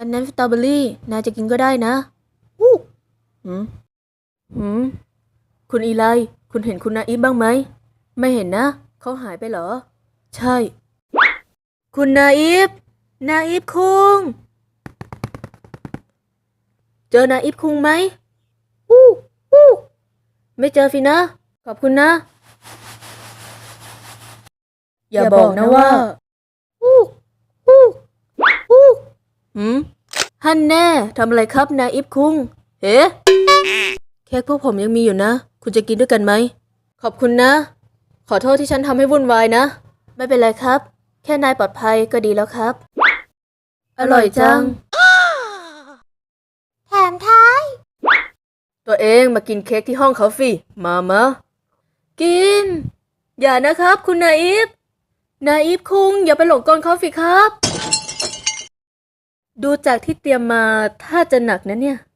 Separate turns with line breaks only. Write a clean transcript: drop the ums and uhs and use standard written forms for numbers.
อันนั้นสตรอเบอรี่นายจะกินก็ได้นะอู้หืมหืมคุณอีไลคุณเห็นคุณนาอิฟบ้างไหมไม่เห็นนะเขาหายไปเหรอใช่คุณนาอิฟคุงเจอนาอิฟคุงไหมอู้อู้ไม่เจอสินะขอบคุณนะอย่าบอกนะว่าอู้อู้อู้หืมฮันแน่ทำอะไรครับนาอิฟคุงเฮ้เค้กพวกผมยังมีอยู่นะคุณจะกินด้วยกันไหมขอบคุณนะขอโทษที่ฉันทำให้วุ่นวายนะไม่เป็นไรครับแค่นายปลอดภัยก็ดีแล้วครับอร่อยจัง
แถมท้าย
ตัวเองมากินเค้กที่ห้องเขาสิมากินอย่านะครับคุณนาอิฟคุงอย่าไปหลงกลเขาสิครับดูจากที่เตรียมมาถ้าจะหนักนะเนี่ย